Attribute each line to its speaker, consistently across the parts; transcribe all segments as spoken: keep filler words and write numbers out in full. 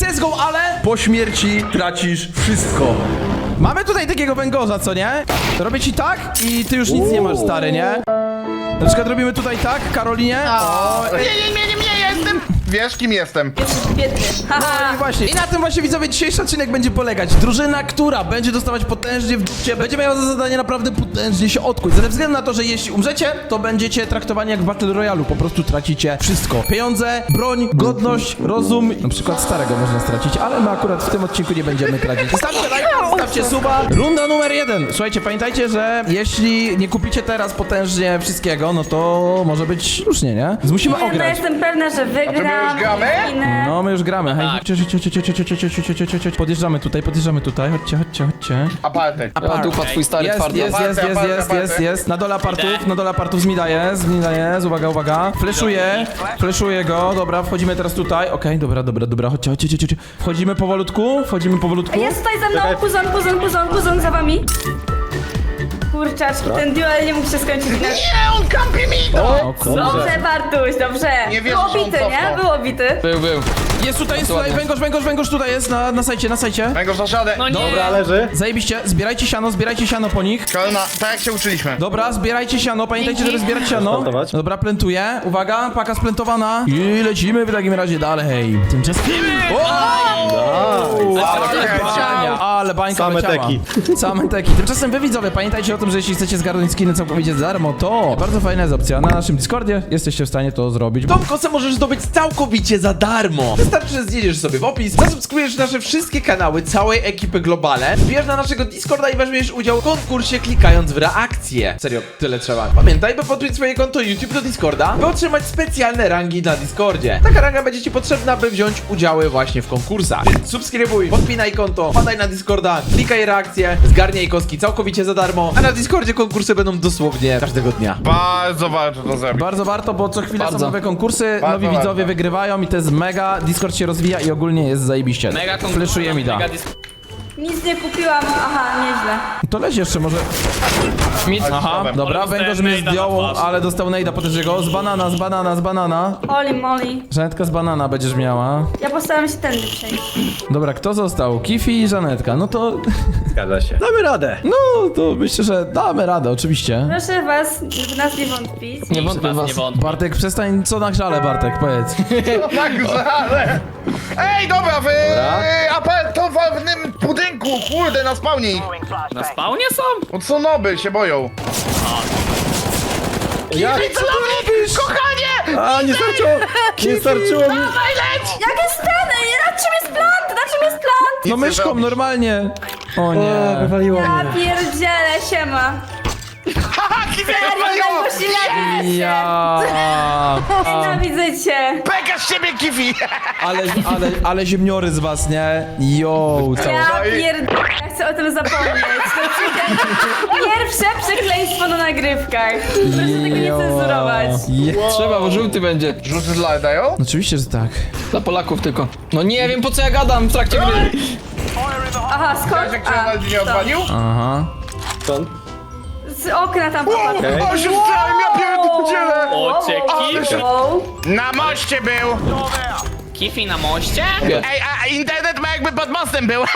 Speaker 1: let's go, ale po śmierci tracisz wszystko. Mamy tutaj takiego węgorza, co nie? Robię ci tak i ty już nic nie masz, stary, nie? Na przykład robimy tutaj tak, Karolinie. O,
Speaker 2: Nie, nie, nie, nie, nie, ja jestem... Wiesz, kim jestem?
Speaker 3: Jesteś biedny. Haha.
Speaker 1: I właśnie. I na tym właśnie, widzowie, dzisiejszy odcinek będzie polegać. Drużyna, która będzie dostawać potężnie w dupcie, będzie miała za zadanie naprawdę potężnie się odkuć. Ze względu na to, że jeśli umrzecie, to będziecie traktowani jak w Battle Royale'u. Po prostu tracicie wszystko. Pieniądze, broń, godność, rozum. Na przykład starego można stracić, ale my akurat w tym odcinku nie będziemy tracić. Zostawcie lajka, zostawcie suba. Runda numer jeden. Słuchajcie, pamiętajcie, że jeśli nie kupicie teraz potężnie wszystkiego, no to może być różnie, nie? Więc musimy
Speaker 3: Nie, no
Speaker 1: ograć.
Speaker 3: jestem pewna, że wygram.
Speaker 2: już gramy?
Speaker 3: Inne.
Speaker 1: No, my już gramy. Hej, chodźcie, chodźcie, chodźcie, chodźcie, chodźcie, chodźcie, chodźcie, chodźcie. Podjeżdżamy tutaj, podjeżdżamy tutaj. Chodźcie, chodźcie, chodźcie.
Speaker 2: Apartek.
Speaker 4: Ja dupa twój stary
Speaker 1: Jest,
Speaker 4: twardy.
Speaker 1: jest, jest, jest, jest, jest, jest. Na dole apartów, na dole apartów z mida jest, z mida jest. Uwaga, uwaga. Fleszuję, fleszuję go. Dobra, wchodzimy teraz tutaj. Okej, dobra, dobra, dobra. Chodźcie, chodźcie, chodźcie, chodźcie. Wchodzimy powolutku, wchodzimy powolutku.
Speaker 3: Jest tutaj ze mną puzon, puzon, puzon, puzon za wami. Kurczaczki, ten duel nie mógł się skończyć inaczej.
Speaker 2: Nie, on kampi mi to!
Speaker 1: O kurde.
Speaker 3: Dobrze, Bartuś, dobrze.
Speaker 2: Nie wierzę,
Speaker 3: Było
Speaker 2: że on
Speaker 3: bity, nie?
Speaker 2: cofnął.
Speaker 3: Było bity.
Speaker 4: Był, był.
Speaker 1: Jest tutaj, jest tutaj.
Speaker 4: Ładnie.
Speaker 1: Węgorz, węgorz, węgorz tutaj jest na, na sajcie, na sajcie.
Speaker 2: Węgorz na żadę.
Speaker 5: No nie.
Speaker 1: Dobra,
Speaker 5: leży.
Speaker 1: Zajebiście. Zbierajcie siano, zbierajcie siano po nich.
Speaker 2: Kalna, tak jak się uczyliśmy.
Speaker 1: Dobra, zbierajcie siano, pamiętajcie, żeby zbierać siano.
Speaker 5: Plantować.
Speaker 1: Dobra, plantuję. Uwaga, paka splentowana. I lecimy w takim razie dalej. Tymczasem... O! Ale bańka, ale bańka
Speaker 5: Same
Speaker 1: leciała.
Speaker 5: teki.
Speaker 1: Same teki. Tymczasem wy, widzowie, pamiętajcie o tym, że jeśli chcecie zgarnąć skiny całkowicie za darmo, to bardzo fajna jest opcja. Na naszym Discordzie jesteście w stanie to zrobić.
Speaker 6: Tą kosę możesz zdobyć całkowicie za darmo. Wystarczy, że zjedziesz sobie w opis, zasubskrybujesz nasze wszystkie kanały całej ekipy Globale, wbierz na naszego Discorda i weźmiesz udział w konkursie klikając w reakcję. Serio, tyle trzeba. Pamiętaj, by podpiąć swoje konto YouTube do Discorda, by otrzymać specjalne rangi na Discordzie. Taka ranga będzie ci potrzebna, by wziąć udziały właśnie w konkursach. Więc subskrybuj, podpinaj konto, wpadaj na Discorda, klikaj reakcję, zgarniaj koski całkowicie za darmo, a na Discordzie konkursy będą dosłownie każdego dnia.
Speaker 2: Bardzo warto to zrobić.
Speaker 1: Bardzo warto, bo co chwilę są
Speaker 4: Bardzo.
Speaker 1: nowe konkursy,
Speaker 2: Bardzo
Speaker 1: nowi widzowie
Speaker 2: warto.
Speaker 1: wygrywają i to jest mega. Discord się rozwija i ogólnie jest zajebiście.
Speaker 5: Mega
Speaker 1: Fleszuje mi da.
Speaker 5: mega dis-
Speaker 3: Nic nie kupiłam. Aha, nieźle.
Speaker 1: To leć jeszcze może.
Speaker 4: Mid.
Speaker 1: Aha, dobra,
Speaker 5: Ale
Speaker 1: węgorz
Speaker 5: dostałem
Speaker 1: mnie
Speaker 5: nejda na
Speaker 1: zdjął,
Speaker 5: twarz.
Speaker 1: ale dostał nejda potężnego. Z banana, z banana, z banana.
Speaker 3: Oli moli.
Speaker 1: Żanetka z banana będziesz miała.
Speaker 3: Ja postaram się tędy przejść.
Speaker 1: Dobra, kto został? Kifi i Żanetka. No to.
Speaker 5: Zgadza się. Damy radę.
Speaker 1: No to myślę, że damy radę, oczywiście.
Speaker 3: Proszę was, w nas nie wątpić.
Speaker 4: Nie wątpię
Speaker 5: Was
Speaker 4: was.
Speaker 5: nie wątpię.
Speaker 1: Bartek, przestań, co na grzale, Bartek, powiedz.
Speaker 2: Tak, ale... Ej, dobra, w apartowym budynku, kurde, na spawnie ich.
Speaker 5: Na spawnie są?
Speaker 2: Od co noby się boją.
Speaker 5: Jak?
Speaker 2: Co ty robisz? Kochanie!
Speaker 5: A, nie starczyło! Nie starczyło mi!
Speaker 2: Dawaj, leć!
Speaker 3: Jak jest ten? Na czym jest plant? Na czym jest plant?
Speaker 1: No
Speaker 2: Nic nie
Speaker 1: myszką,
Speaker 2: zrobisz.
Speaker 1: normalnie. O
Speaker 5: O,
Speaker 1: nie.
Speaker 5: wywaliło
Speaker 3: Ja
Speaker 5: mnie.
Speaker 3: pierdzielę, siema.
Speaker 2: Haha, kiwie
Speaker 3: Serio,
Speaker 2: wywaliło!
Speaker 3: tak poświęcę.
Speaker 1: Ja.
Speaker 3: Nienawidzę cię.
Speaker 2: Beka z ciebie, Kiwi!
Speaker 1: Ale, ale, ale ziemniory z was, nie? Yo, co?
Speaker 3: Ja
Speaker 2: No i-
Speaker 3: pierdolę, ja chcę o tym zapomnieć. To przykle... Pierwsze przekleństwo na nagrywkach. Proszę tego nie cenzurować.
Speaker 1: Je-
Speaker 4: Trzeba, bo żółty będzie.
Speaker 2: Rzuty dla dają?
Speaker 1: Oczywiście, że tak.
Speaker 4: Dla Polaków tylko. No nie wiem po co ja gadam w trakcie gry.
Speaker 3: Aha,
Speaker 2: Wiesz,
Speaker 3: skąd?
Speaker 2: jak się na nie odwalił?
Speaker 1: Aha.
Speaker 5: Stąd?
Speaker 3: Z okna tam popadł.
Speaker 5: Okej.
Speaker 2: O, się wstałem, ja pierdzielę!
Speaker 5: O, cię
Speaker 2: Ale się-
Speaker 5: Kifi.
Speaker 3: Wow.
Speaker 2: Na moście był!
Speaker 5: Kifi na moście?
Speaker 2: Ej, a internet ma jakby pod mostem był!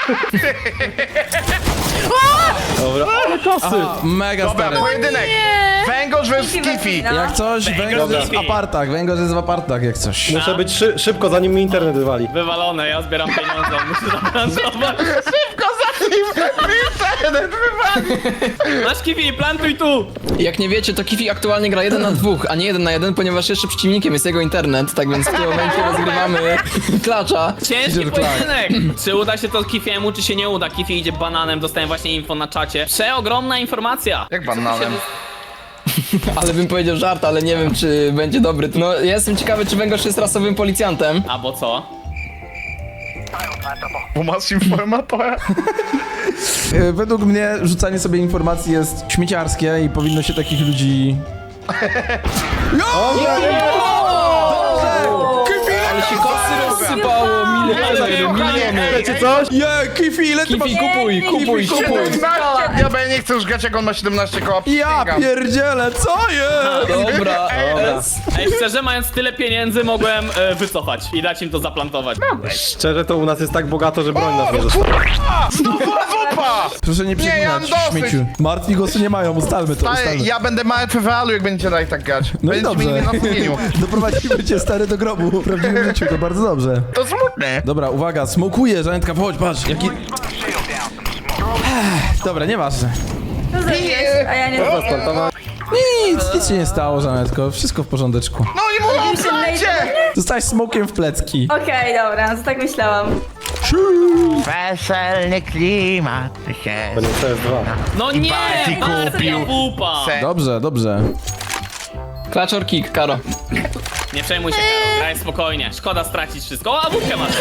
Speaker 5: Dobra. Ale kosy!
Speaker 1: Mega
Speaker 2: Dobra,
Speaker 1: stary.
Speaker 2: pojedynek! Węgorz versus Kifi!
Speaker 3: No.
Speaker 1: Jak coś, węgorz jest w
Speaker 5: Dobra.
Speaker 1: apartach, węgorz jest w apartach, jak coś.
Speaker 5: Muszę być szy szybko, zanim mi internet wywali. Wywalone, ja zbieram pieniądze, muszę zaplantować.
Speaker 2: Szybko zanim internet wywali!
Speaker 5: Masz Kifi, plantuj tu!
Speaker 4: Jak nie wiecie, to Kifi aktualnie gra jeden na dwóch, a nie jeden na jeden, ponieważ jeszcze przeciwnikiem jest jego internet, tak więc w tym momencie rozgrywamy klacza.
Speaker 5: Ciężki
Speaker 1: Peter Clark.
Speaker 5: pojedynek! Czy uda się to Kifiemu, czy się nie uda? Kifi idzie bananem, dostałem właśnie info na czacie. Przeogromna informacja!
Speaker 2: Jak bananem?
Speaker 4: Ale bym powiedział żart, ale nie wiem czy będzie dobry. No ja jestem ciekawy, czy Węgorz jest rasowym policjantem.
Speaker 5: Albo co?
Speaker 2: Bo masz informatora?
Speaker 1: E, Według mnie rzucanie sobie informacji jest śmieciarskie i powinno się takich ludzi...
Speaker 4: Ale się kosy rozsypało, miliony.
Speaker 2: Wiecie coś?
Speaker 1: Je, Kifi, ile ty masz?
Speaker 4: Kifi, kupuj, kupuj, kupuj.
Speaker 2: siedemnaście, ja bo ja nie chcę już grać, jak on ma siedemnaście koła.
Speaker 1: Ja
Speaker 2: Przysięgam.
Speaker 1: pierdzielę, co jest?
Speaker 4: Dobra, S.
Speaker 5: Ej, szczerze, mając tyle pieniędzy, mogłem e, wycofać i dać im to zaplantować.
Speaker 7: Szczerze to u nas jest tak bogato, że broń nas nie została.
Speaker 2: Kurwa! Znowu zupa!
Speaker 1: Proszę nie
Speaker 2: Nie, ja mam
Speaker 1: przeklinać,
Speaker 2: dosyć.
Speaker 1: śmieciu. Martwi głosu nie mają, ustalmy to,
Speaker 2: Stary,
Speaker 1: ustalmy.
Speaker 2: ja będę martwy w realu, jak będziecie dalej tak grać.
Speaker 1: No i
Speaker 2: Będziecie mieli
Speaker 1: dobrze.
Speaker 2: mnie na sumieniu.
Speaker 1: Doprowadzimy cię stary do grobu w prawdziwym życiu, to bardzo dobrze.
Speaker 2: To smutne.
Speaker 1: Dobra, uwaga, smokuje, Żanetka, wchodź, patrz, jaki... Ech, dobra, nieważne.
Speaker 3: Co zrobiłeś? A ja nie
Speaker 1: Nic, nic się nie stało, Żanetko, wszystko w porządeczku.
Speaker 2: No i mówię,
Speaker 3: Już się
Speaker 2: słuchajcie!
Speaker 1: Zostałeś smokiem w plecki.
Speaker 3: Okej, dobra, to tak myślałam.
Speaker 2: Weselny klimat się...
Speaker 7: To nie C S dwa.
Speaker 5: No nie!
Speaker 2: Bardziej
Speaker 5: Marta
Speaker 2: kupił.
Speaker 5: pupa!
Speaker 2: Se-
Speaker 1: Dobrze, dobrze.
Speaker 4: Clutch or kick, Karo.
Speaker 5: Nie przejmuj się, Karol, graj spokojnie. Szkoda stracić wszystko. O, wódkę masz!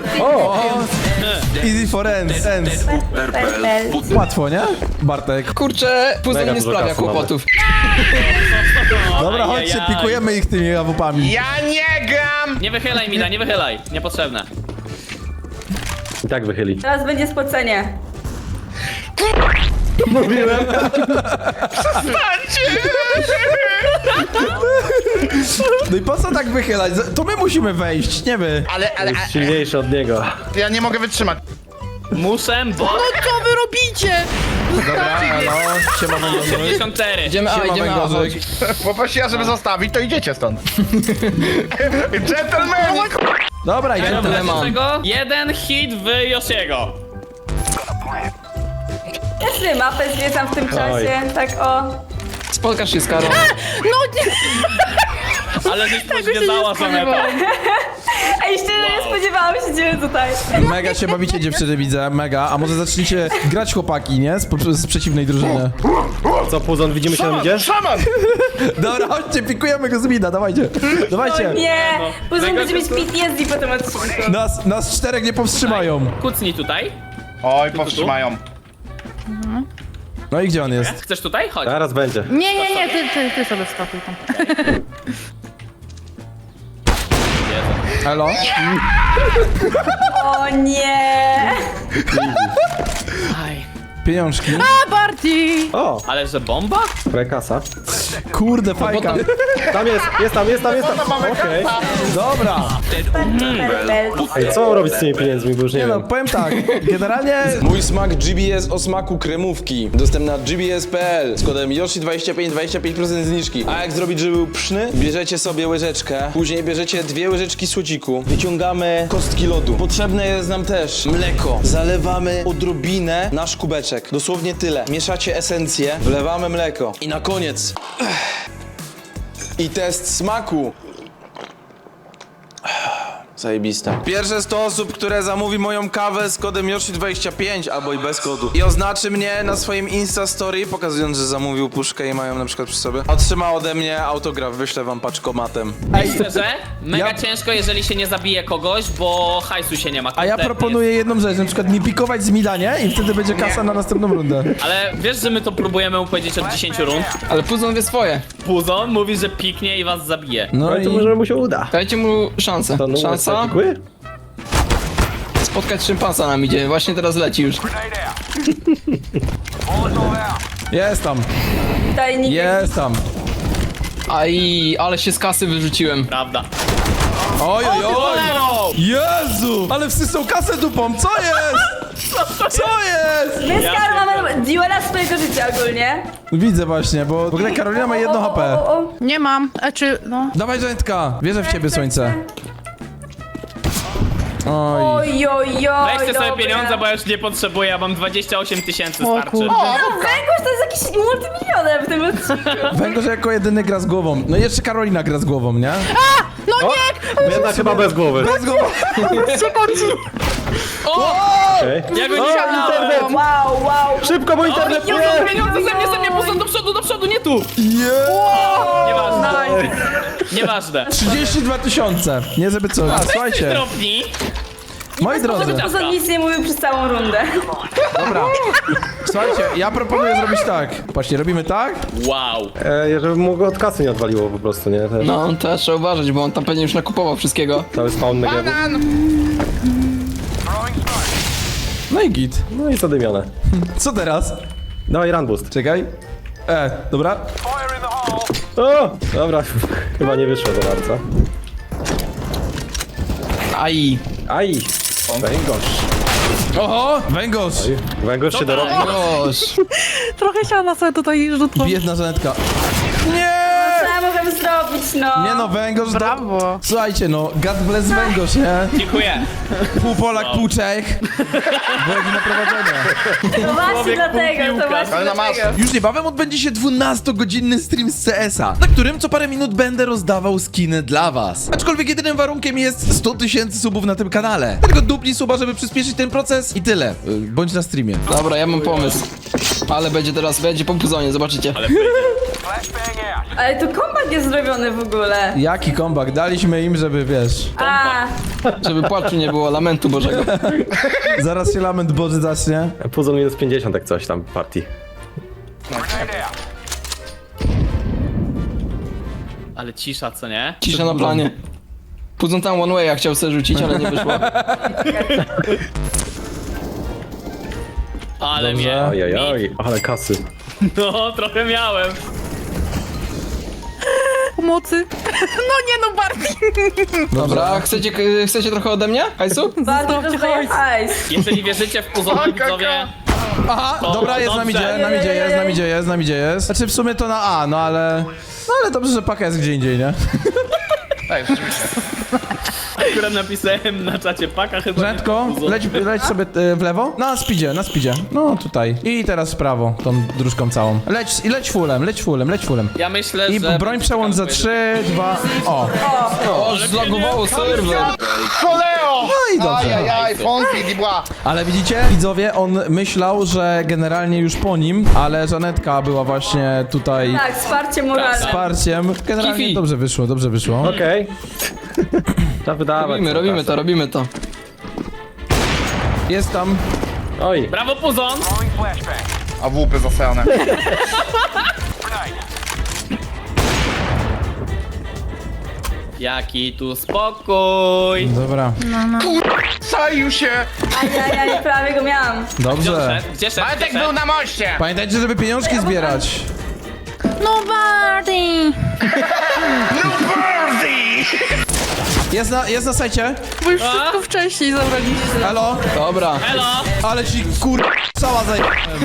Speaker 1: Easy for ends, ends. Łatwo, nie? Bartek.
Speaker 4: Kurczę, puzzle
Speaker 7: Mega
Speaker 4: nie
Speaker 7: dużo
Speaker 4: sprawia
Speaker 7: kasy mamy.
Speaker 4: kłopotów.
Speaker 1: Dobra, chodźcie,
Speaker 5: Ajajaj.
Speaker 1: pikujemy ich tymi awupami.
Speaker 2: Ja nie gram!
Speaker 5: Nie wychylaj, Mida, nie wychylaj. Niepotrzebne.
Speaker 7: I tak wychyli.
Speaker 3: Teraz będzie spocenie.
Speaker 1: No i po co tak wychylać? To my musimy wejść, nie wy.
Speaker 2: Ale, ale,
Speaker 7: Jest silniejszy od niego.
Speaker 2: a, ja nie mogę wytrzymać.
Speaker 5: Muszę, bo...
Speaker 1: Dobra, elo, siema węgorzyk.
Speaker 5: osiemdziesiąt cztery.
Speaker 4: Idziemy A,
Speaker 1: Siema
Speaker 4: idziemy A,
Speaker 1: węgorzyk.
Speaker 4: chodź.
Speaker 2: Poprosiła, żeby zostawić, to idziecie stąd. Gentlemani!
Speaker 1: Dobra, idziemy.
Speaker 4: Gentleman.
Speaker 5: Dlaczego? Jeden hit w Yoshiego.
Speaker 3: Ja sobie mapę zwiedzam w tym czasie, tak o.
Speaker 4: Spotkasz się z Karą.
Speaker 5: Ale żeś pozwiedzała Żaneta.
Speaker 3: Ej, szczerze nie spodziewałam się ciebie tutaj.
Speaker 1: Mega się bawicie dziewczyny, widzę, mega. A może zacznijcie grać chłopaki, nie? Z, po- z przeciwnej drużyny.
Speaker 7: Co, Puzon, widzimy się na
Speaker 2: Szaman,
Speaker 7: midzie?
Speaker 2: szaman!
Speaker 1: Dobra, chodźcie, pikujemy go z mida, dawajcie. Dawajcie.
Speaker 3: Nie,
Speaker 5: no.
Speaker 3: później
Speaker 5: Mega
Speaker 3: będzie mieć
Speaker 5: się-
Speaker 3: P T S D po tym odcinku.
Speaker 1: Nas, nas czterech nie powstrzymają.
Speaker 5: Kucnij tutaj.
Speaker 2: Oj, powstrzymają.
Speaker 1: No i gdzie on jest?
Speaker 5: Chcesz tutaj? Chodź.
Speaker 7: Zaraz będzie.
Speaker 8: Nie, nie, nie, ty, ty, ty sobie wskakuj tam.
Speaker 1: Elo?
Speaker 3: O nie.
Speaker 5: Aj.
Speaker 1: Pieniążki.
Speaker 8: A, Barty!
Speaker 7: O,
Speaker 5: Ale że bomba?
Speaker 7: kasa.
Speaker 1: Kurde, fajka.
Speaker 7: Tam jest, jest tam, jest tam, jest tam. Okej.
Speaker 1: Dobra.
Speaker 7: Ej, co robić z tymi pieniędzmi, bo już nie
Speaker 1: Nie no,
Speaker 7: wiem.
Speaker 1: powiem tak. Generalnie...
Speaker 9: Mój smak G B S o smaku kremówki. Dostępny na G B S kropka P L z kodem Yoshi dwadzieścia pięć, dwadzieścia pięć procent zniżki. A jak zrobić, żeby był pyszny? Bierzecie sobie łyżeczkę, później bierzecie dwie łyżeczki słodziku, wyciągamy kostki lodu. Potrzebne jest nam też mleko. Zalewamy odrobinę nasz kubeczek. Dosłownie tyle. Mieszacie esencję, wlewamy mleko. I na koniec... I test smaku. Zajebiste. Pierwsze sto osób, które zamówi moją kawę z kodem Yoshi dwadzieścia pięć albo i bez kodu i oznaczy mnie na swoim Insta Story, pokazując, że zamówił puszkę i mają na przykład przy sobie, otrzyma ode mnie autograf, wyślę wam paczkomatem.
Speaker 1: Ej,
Speaker 5: Szczerze, mega
Speaker 1: Ja-
Speaker 5: ciężko, jeżeli się nie zabije kogoś, bo hajsu się nie ma.
Speaker 1: a ja
Speaker 5: kompletnie.
Speaker 1: proponuję jedną rzecz, na przykład nie pikować z mida, nie? I wtedy będzie kasa na następną rundę.
Speaker 5: Ale wiesz, że my to próbujemy mu powiedzieć od dziesięciu rund?
Speaker 4: Ale Puzon wie swoje.
Speaker 5: Puzon mówi, że piknie i was zabije.
Speaker 1: No
Speaker 7: Ale to
Speaker 1: i...
Speaker 7: może mu się uda.
Speaker 4: Dajcie mu szansę.
Speaker 7: To numer
Speaker 4: Szansa
Speaker 7: statykuły?
Speaker 4: spotkać szympansa nam idzie. Właśnie teraz leci już.
Speaker 1: Jest tam,
Speaker 3: Tajnik.
Speaker 1: jest tam.
Speaker 4: Aj, ale się z kasy wyrzuciłem.
Speaker 5: Prawda.
Speaker 1: Oj, oj, oj! Jezu! Ale wsysnął kasę dupą, co jest? Co jest?
Speaker 3: My z Karą mamy duela swojego życia ogólnie.
Speaker 1: Widzę właśnie, bo w ogóle Karolina ma jedno
Speaker 3: O,
Speaker 1: H
Speaker 3: o,
Speaker 1: P.
Speaker 3: o, o.
Speaker 8: Nie mam, a czy, no.
Speaker 1: Dawaj, Żanetka, wierzę w ciebie, słońce. Oj.
Speaker 3: Oj, oj, oj,
Speaker 5: Weźcie sobie
Speaker 3: dobra.
Speaker 5: pieniądze, bo ja już nie potrzebuję, ja mam dwadzieścia osiem tysięcy
Speaker 8: O
Speaker 5: starczy.
Speaker 8: kurde.
Speaker 3: Węgorz to jest jakiś multimilioner w tym odcinku.
Speaker 1: Węgorz jako jedyny gra z głową. No i jeszcze Karolina gra z głową, nie?
Speaker 8: No nie!
Speaker 7: Jednak chyba bez głowy.
Speaker 1: Bez głowy.
Speaker 7: Okej.
Speaker 5: Ja go nie
Speaker 8: Internet!
Speaker 3: Wow, wow.
Speaker 7: Szybko, bo internet
Speaker 5: Nie,
Speaker 7: nie!
Speaker 5: pieniądze ze mnie, ze mnie, Puzon, do przodu, do przodu, nie tu!
Speaker 1: Yeah.
Speaker 5: Nieważne. Nieważne.
Speaker 1: trzydzieści dwa tysiące. Nie żeby co. A, słuchajcie,
Speaker 5: Drobni.
Speaker 1: moi drodzy.
Speaker 3: Pozor nic nie mówił przez całą rundę.
Speaker 1: Dobra. Słuchajcie, ja proponuję zrobić tak. Patrzcie, robimy tak.
Speaker 5: Wow.
Speaker 7: E, żeby mu go od kasy nie odwaliło po prostu, nie? Też
Speaker 4: No, teraz trzeba uważać, bo on tam pewnie już nakupował wszystkiego.
Speaker 7: cały spawn Negevu.
Speaker 1: No i git.
Speaker 7: No i zadymione.
Speaker 1: Co teraz?
Speaker 7: Dawaj run boost.
Speaker 1: Czekaj. E, dobra.
Speaker 7: O! Dobra, chyba nie wyszło za bardzo.
Speaker 4: Aj.
Speaker 7: Aj! Węgorz.
Speaker 1: Oho, węgorz.
Speaker 7: Węgorz się dorobił.
Speaker 4: Gosh.
Speaker 8: Trochę siana sobie tutaj rzucą.
Speaker 1: Biedna Żanetka. Nie!
Speaker 3: Co ja mogę zrobić, no?
Speaker 1: Nie no, węgorz to...
Speaker 8: Brawo.
Speaker 1: Słuchajcie no, God bless węgorz, nie?
Speaker 5: Dziękuję.
Speaker 1: Pół Polak, pół Czech. Byłeś na prowadzenie.
Speaker 3: To właśnie dlatego, to właśnie
Speaker 2: Ale na masę.
Speaker 3: dlatego.
Speaker 1: Już niebawem odbędzie się dwunastogodzinny stream z C S a, na którym co parę minut będę rozdawał skiny dla was. Aczkolwiek jedynym warunkiem jest sto tysięcy subów na tym kanale. Tylko dupnij suba, żeby przyspieszyć ten proces i tyle. Y, Bądź na streamie.
Speaker 4: Dobra, ja mam pomysł. Ale będzie teraz, będzie po puzonie, zobaczycie.
Speaker 3: Ale tu kombat jest zrobiony w ogóle.
Speaker 1: Jaki comeback? Daliśmy im, żeby wiesz.
Speaker 3: A,
Speaker 4: Żeby płaczu nie było, lamentu Bożego.
Speaker 1: Zaraz się lament Boży zacznie.
Speaker 7: Puzzle minus pięćdziesiąt jak coś tam partii.
Speaker 5: Ale cisza, co nie?
Speaker 4: Cisza na planie. Puzon tam one way, chciał sobie rzucić, ale nie wyszło.
Speaker 5: Ale
Speaker 1: Dobrze.
Speaker 5: mnie.
Speaker 7: Ojej, oj, ale kasy.
Speaker 5: No, trochę miałem.
Speaker 8: Pomocy. No nie no, Barty.
Speaker 4: Dobra, chcecie, chcecie trochę ode mnie? Hajsu?
Speaker 3: bardzo
Speaker 8: Zostawcie
Speaker 3: dostaję
Speaker 8: hajs.
Speaker 3: hajs.
Speaker 5: Jeżeli wierzycie w puzony, widzowie,
Speaker 1: Aha,
Speaker 5: To
Speaker 1: dobra, jest nam
Speaker 5: dobrze.
Speaker 1: idzie, nam idzie, jest, nam idzie, jest, nam idzie, jest. Znaczy w sumie to na A, no ale... No ale dobrze, że paka jest gdzie indziej, nie?
Speaker 2: Ej, rzeczywiście.
Speaker 5: akurat napisałem na czacie paka chyba.
Speaker 1: Rzędko, leć, leć sobie y, w lewo. Na speedzie, na speedzie. No tutaj. I teraz w prawo, tą dróżką całą. Leć, i leć fulem, leć fulem, leć fulem.
Speaker 5: Ja myślę,
Speaker 1: I
Speaker 5: że...
Speaker 1: broń przełącz za trzy, dwa, o.
Speaker 4: O, zlagowało serwer.
Speaker 2: Koleo!
Speaker 1: No i dobrze.
Speaker 2: Ajajaj, Fonki, Dibła.
Speaker 1: Ale widzicie, widzowie, on myślał, że generalnie już po nim, ale Żanetka była właśnie tutaj
Speaker 3: Tak, wsparcie moralne.
Speaker 1: wsparciem. Generalnie
Speaker 4: Kifi.
Speaker 1: dobrze wyszło, dobrze wyszło.
Speaker 7: Okej. Trzeba wydawać.
Speaker 4: Robimy,
Speaker 7: tą
Speaker 4: robimy
Speaker 7: kasę.
Speaker 4: to, robimy to.
Speaker 1: Jest tam.
Speaker 7: Oj,
Speaker 5: Brawo, puzon!
Speaker 2: A łupy zasrane.
Speaker 5: Jaki tu spokój!
Speaker 1: Dobra.
Speaker 2: Czaił się!
Speaker 3: Ajajaj, prawie go miałam.
Speaker 5: Gdzie on
Speaker 1: Dobrze.
Speaker 5: szedł? Gdzie szedł?
Speaker 2: Bartek
Speaker 5: Gdzie
Speaker 2: był
Speaker 5: szedł?
Speaker 2: na moście!
Speaker 1: Pamiętajcie, żeby pieniążki zbierać.
Speaker 8: No Barty.
Speaker 2: No Barty!
Speaker 1: Jest na, jest na sajcie.
Speaker 8: Bo już wszystko wcześniej zabraliście.
Speaker 1: Halo?
Speaker 4: Dobra.
Speaker 5: Elo!
Speaker 1: Ale ci kur... cała zaj...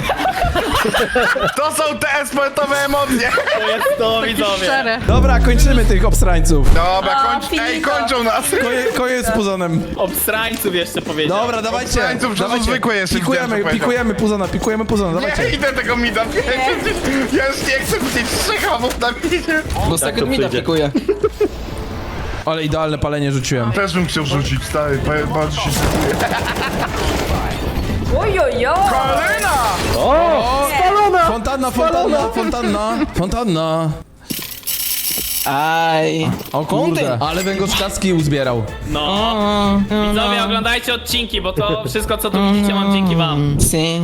Speaker 2: To są te esportowe emocje!
Speaker 5: To jest to, widzowie!
Speaker 8: Szczere.
Speaker 1: Dobra, kończymy tych obsrańców.
Speaker 2: Dobra,
Speaker 3: O,
Speaker 2: kończ... Ej,
Speaker 3: finito.
Speaker 2: kończą nas!
Speaker 1: Koje, koniec z puzonem.
Speaker 5: Obstrańców jeszcze powiedział.
Speaker 1: Dobra, dawajcie.
Speaker 2: Obstrańców, że to
Speaker 1: dawajcie.
Speaker 2: zwykłe jeszcze
Speaker 1: Pikujemy,
Speaker 2: widziałem, co
Speaker 1: pikujemy puzona, pikujemy puzona,
Speaker 2: Nie
Speaker 1: dawajcie.
Speaker 2: idę tego mida, wiecie? Ja już nie chcę widzieć trzech hamów na midzie.
Speaker 4: Bo second mida
Speaker 7: przyjdzie.
Speaker 4: pikuje.
Speaker 1: Ale idealne palenie rzuciłem.
Speaker 2: Też bym chciał rzucić, stary, ba- bardzo się dziękuję.
Speaker 3: Ojojo!
Speaker 2: Kolena!
Speaker 1: O! Spalona! Fontanna, fontanna, fontanna, fontanna.
Speaker 4: Aj.
Speaker 1: O kurde,
Speaker 4: Fontan.
Speaker 1: ale węgorzkacki uzbierał.
Speaker 5: No. Widzowie, oglądajcie odcinki, bo to wszystko, co tu widzicie, mam dzięki wam.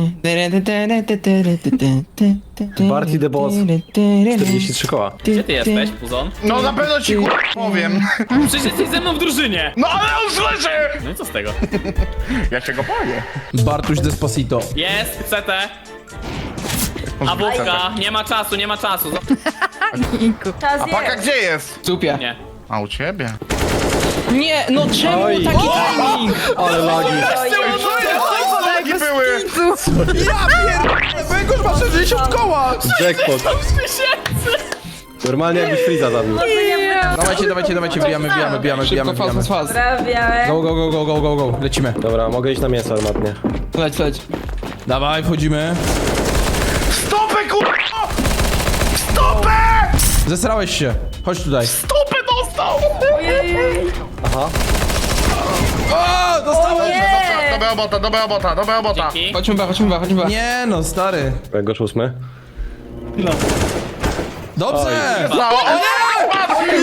Speaker 7: Barty the Boss. czterdzieści trzy koła.
Speaker 5: Gdzie ty jesteś, puzon?
Speaker 2: No na pewno ci kur... powiem.
Speaker 5: Przecież jesteś ze mną w drużynie!
Speaker 2: No ale on słyszy!
Speaker 5: No i co z tego?
Speaker 2: Ja się go boję.
Speaker 1: Bartuś Despacito.
Speaker 5: Jest, C T. A bułka, nie ma czasu, nie ma czasu.
Speaker 3: Czas
Speaker 2: A paka
Speaker 3: jest.
Speaker 2: gdzie jest?
Speaker 4: Supie.
Speaker 5: Nie.
Speaker 2: A u ciebie?
Speaker 4: Nie, no czemu
Speaker 7: Oj.
Speaker 4: taki timing?
Speaker 7: Ale lagi.
Speaker 2: Lagi były!
Speaker 1: Ja pier... Węgorz ma sześćdziesiąt koła!
Speaker 7: Jackpot. Normalnie jakbyś Freeza zabił.
Speaker 1: Dawajcie, dawajcie, dawajcie, bijamy, bijamy, bijamy,
Speaker 4: Szybko,
Speaker 1: bijamy,
Speaker 4: fast,
Speaker 1: bijamy.
Speaker 4: fast, fast.
Speaker 3: Prawie.
Speaker 1: Go, go, go, go, go, go, go, lecimy.
Speaker 7: Dobra, mogę iść na mięso armatnie.
Speaker 4: Leć, leć.
Speaker 1: Dawaj, wchodzimy.
Speaker 2: Stopę kur... Stopę!
Speaker 1: Zesrałeś się. Chodź tutaj.
Speaker 2: Stopę dostał!
Speaker 3: Ojej.
Speaker 7: Aha.
Speaker 1: O, dostałem!
Speaker 3: Nie.
Speaker 2: Dobra robota, dobra robota, dobra robota.
Speaker 5: Dzięki.
Speaker 4: Chodźmy B, chodźmy B, chodźmy B.
Speaker 1: Nie no, stary.
Speaker 7: Węgorz ósmy.
Speaker 1: Dobrze!
Speaker 2: Za- O nie!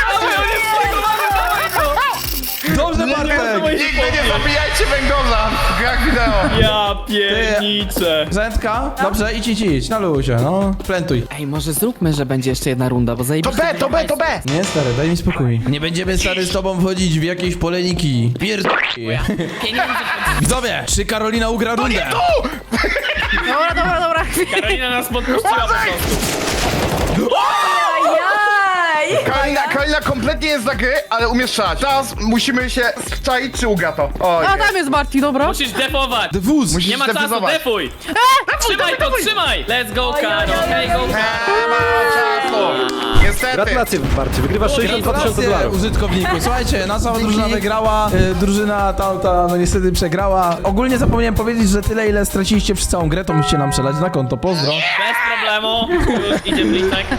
Speaker 1: Dobrze, Bartek!
Speaker 2: Nigdy nie zabijajcie węgorza! w grach wideo.
Speaker 5: Ja pierniczę.
Speaker 1: Zętka? Dobrze, idź, idź, idź, na luzie, no. Plentuj.
Speaker 4: Ej, może zróbmy, że będzie jeszcze jedna runda, bo
Speaker 2: To
Speaker 4: zajebiście...
Speaker 2: B, to B, to B.
Speaker 1: Nie, stary, daj mi spokój. Nie będziemy, stary, z tobą wchodzić w jakieś poleniki. Pierd...
Speaker 5: Pieniądze.
Speaker 1: Widzowie, czy Karolina ugra rundę?
Speaker 8: Dobra, dobra, dobra.
Speaker 5: Karolina nas podpuściła po prostu.
Speaker 3: Ajaj!
Speaker 2: Karolina, Karolina kompletnie jest za gry, ale umiesz strzelać. Teraz musimy się strzaić, czy ugra to. O,
Speaker 8: A tam jest Barty, dobra.
Speaker 5: Musisz defować.
Speaker 1: Dewóz!
Speaker 2: Musisz
Speaker 5: Nie ma czasu,
Speaker 2: zdefuzować.
Speaker 5: defuj. Trzymaj to, trzymaj. Let's go, Karo. Hey, go,
Speaker 2: Nie ma czasu. Niestety.
Speaker 7: Gratulacje, Barty, wygrywasz sześćdziesiąt dwa tysiące
Speaker 1: Gratulacje
Speaker 7: dolarów.
Speaker 1: użytkowniku. Słuchajcie, nasza drużyna wygrała, y, drużyna tamta no niestety przegrała. Ogólnie zapomniałem powiedzieć, że tyle ile straciliście przez całą grę, to musicie nam przelać na konto. Pozdro.
Speaker 5: Bez problemu. Już idzie Blicek.